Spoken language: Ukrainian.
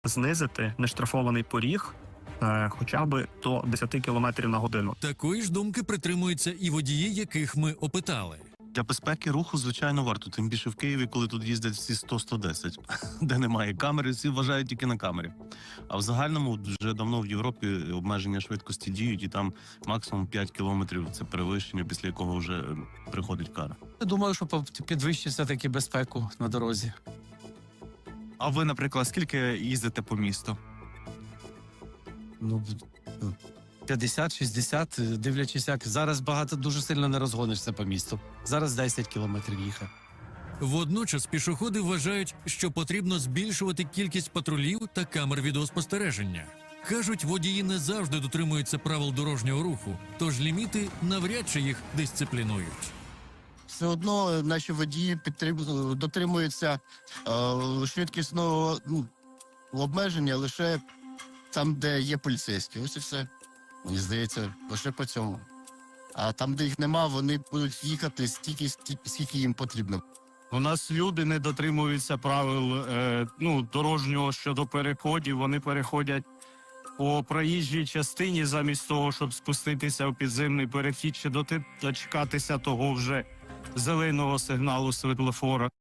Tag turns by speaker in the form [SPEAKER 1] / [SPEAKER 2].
[SPEAKER 1] знизити нештрафований поріг хоча б до 10 км на годину.
[SPEAKER 2] Такої ж думки притримуються і водії, яких ми опитали.
[SPEAKER 3] Для безпеки руху, звичайно, варто. Тим більше в Києві, коли тут їздять всі 100-110, де немає камери, всі вважають тільки на камері. А в загальному вже давно в Європі обмеження швидкості діють, і там максимум 5 кілометрів – це перевищення, після якого вже приходить кара.
[SPEAKER 4] Я думаю, що підвищить все-таки безпеку на дорозі.
[SPEAKER 5] А ви, наприклад, скільки їздите по місту?
[SPEAKER 4] Ну, 50-60, дивлячись як. Зараз багато, дуже сильно не розгонишся по місту. Зараз 10 кілометрів їхав.
[SPEAKER 2] Водночас пішоходи вважають, що потрібно збільшувати кількість патрулів та камер відеоспостереження. Кажуть, водії не завжди дотримуються правил дорожнього руху, тож ліміти навряд чи їх дисциплінують.
[SPEAKER 6] Все одно наші водії дотримуються швидкісного обмеження лише там, де є поліцейські. Ось і все. Мені здається, лише по цьому. А там, де їх нема, вони будуть їхати стільки, скільки їм потрібно.
[SPEAKER 1] У нас люди не дотримуються правил дорожнього щодо переходів. Вони переходять по проїжджій частині замість того, щоб спуститися в підземний перехід чи дочекатися того вже зеленого сигналу світлофора.